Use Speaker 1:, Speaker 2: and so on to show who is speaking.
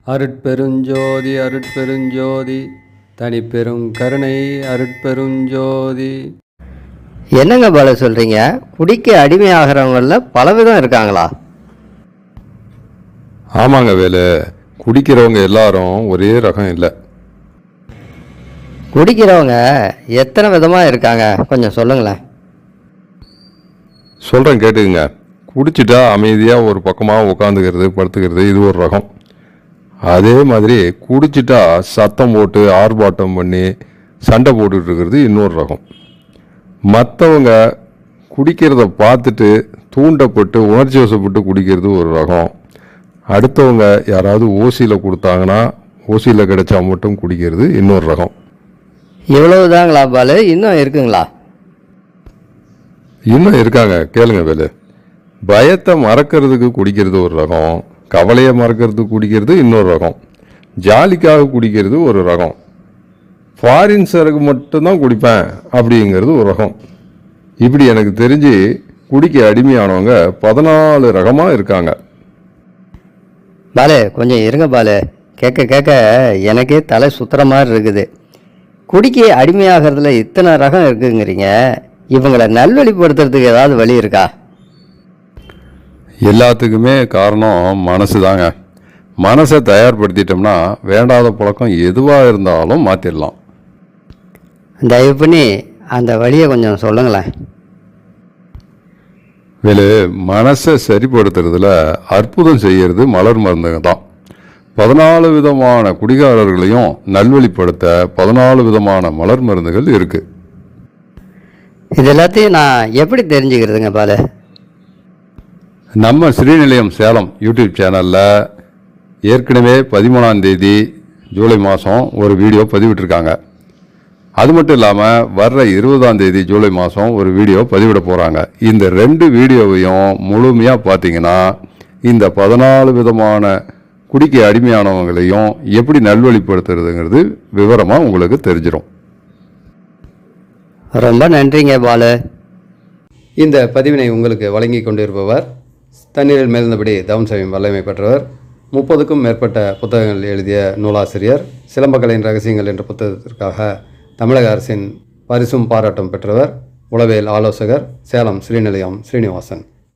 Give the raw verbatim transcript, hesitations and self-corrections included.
Speaker 1: அருட்பெருஞ்சோதி அருட்பெருஞ்சோதி தனிப்பெரும் கருணை அருட்பெருஞ்சோதி.
Speaker 2: என்னங்க பால சொல்கிறீங்க? குடிக்க அடிமையாகிறவங்கள பலவிதம் இருக்காங்களா?
Speaker 3: ஆமாங்க வேலு, குடிக்கிறவங்க எல்லாரும் ஒரே ரகம் இல்லை.
Speaker 2: குடிக்கிறவங்க எத்தனை விதமாக இருக்காங்க, கொஞ்சம் சொல்லுங்களேன்.
Speaker 3: சொல்கிறேன் கேட்டுக்குங்க. குடிச்சிட்டா அமைதியாக ஒரு பக்கமாக உட்காந்துக்கிறது, படுத்துக்கிறது, இது ஒரு ரகம். அதே மாதிரி குடிச்சிட்டா சத்தம் போட்டு ஆர்ப்பாட்டம் பண்ணி சண்டை போட்டுட்டு இருக்கிறது இன்னொரு ரகம். மற்றவங்க குடிக்கிறத பார்த்துட்டு தூண்டப்பட்டு உணர்ச்சி வசப்பட்டு குடிக்கிறது ஒரு ரகம். அடுத்தவங்க யாராவது ஓசியில் கொடுத்தாங்கன்னா ஓசியில் கிடைச்சா மட்டும் குடிக்கிறது இன்னொரு ரகம்.
Speaker 2: இவ்வளவுதாங்களா பாலு? இன்னும் இருக்குங்களா?
Speaker 3: இன்னும் இருக்காங்க, கேளுங்க வேலு. பயத்தை மறக்கிறதுக்கு குடிக்கிறது ஒரு ரகம், கவலையை மறக்கிறதுக்கு குடிக்கிறது இன்னொரு ரகம், ஜாலிக்காக குடிக்கிறது ஒரு ரகம், ஃபாரின் சரக்கு மட்டும்தான் குடிப்பேன் அப்படிங்கிறது ஒரு ரகம். இப்படி எனக்கு தெரிஞ்சு குடிக்க அடிமையானவங்க பதினாலு ரகமாக இருக்காங்க.
Speaker 2: பாலு கொஞ்சம் இருங்க பாலு, கேட்க கேட்க எனக்கே தலை சுத்துற மாதிரி இருக்குது. குடிக்க அடிமையாகிறதுல இத்தனை ரகம் இருக்குங்கிறீங்க, இவங்களை நல்வழிப்படுத்துறதுக்கு ஏதாவது வழி இருக்கா?
Speaker 3: எல்லாத்துக்குமே காரணம் மனசு தாங்க. மனசை தயார்படுத்திட்டோம்னா வேண்டாத பழக்கம் எதுவாக இருந்தாலும் மாற்றிடலாம்.
Speaker 2: தயவு பண்ணி அந்த வழியை கொஞ்சம் சொல்லுங்களேன்.
Speaker 3: வேலு, மனசை சரிப்படுத்துறதுல அற்புதம் செய்கிறது மலர் மருந்துங்க தான். பதினாலு விதமான குடிகாரர்களையும் நல்வழிப்படுத்த பதினாலு விதமான மலர் மருந்துகள் இருக்கு.
Speaker 2: இது எல்லாத்தையும் நான் எப்படி தெரிஞ்சுக்கிறதுங்க பாலு?
Speaker 3: நம்ம ஸ்ரீநிலையம் சேலம் யூடியூப் சேனலில் ஏற்கனவே பதிமூணாம் தேதி ஜூலை மாதம் ஒரு வீடியோ பதிவிட்டிருக்காங்க. அது மட்டும் இல்லாமல் வர்ற இருபதாம் தேதி ஜூலை மாதம் ஒரு வீடியோ பதிவிட போகிறாங்க. இந்த ரெண்டு வீடியோவையும் முழுமையாக பார்த்தீங்கன்னா இந்த பதினாலு விதமான குடிக்க அடிமையானவங்களையும் எப்படி நல்வழிப்படுத்துறதுங்கிறது விவரமாக உங்களுக்கு தெரிஞ்சிடும்.
Speaker 2: ரொம்ப நன்றிங்க பாலு.
Speaker 1: இந்த பதிவினை உங்களுக்கு வழங்கி கொண்டிருப்பவர் தண்ணீரில் மேல்ந்தபடி தவம் செய்யும் வல்லமை பெற்றவர், முப்பதுக்கும் மேற்பட்ட புத்தகங்கள் எழுதிய நூலாசிரியர், சிலம்பக்கலையின் ரகசியங்கள் என்ற புத்தகத்திற்காக தமிழக அரசின் பரிசும் பாராட்டும் பெற்றவர், உளவியல் ஆலோசகர், சேலம் ஸ்ரீநிலையம் ஸ்ரீனிவாசன்.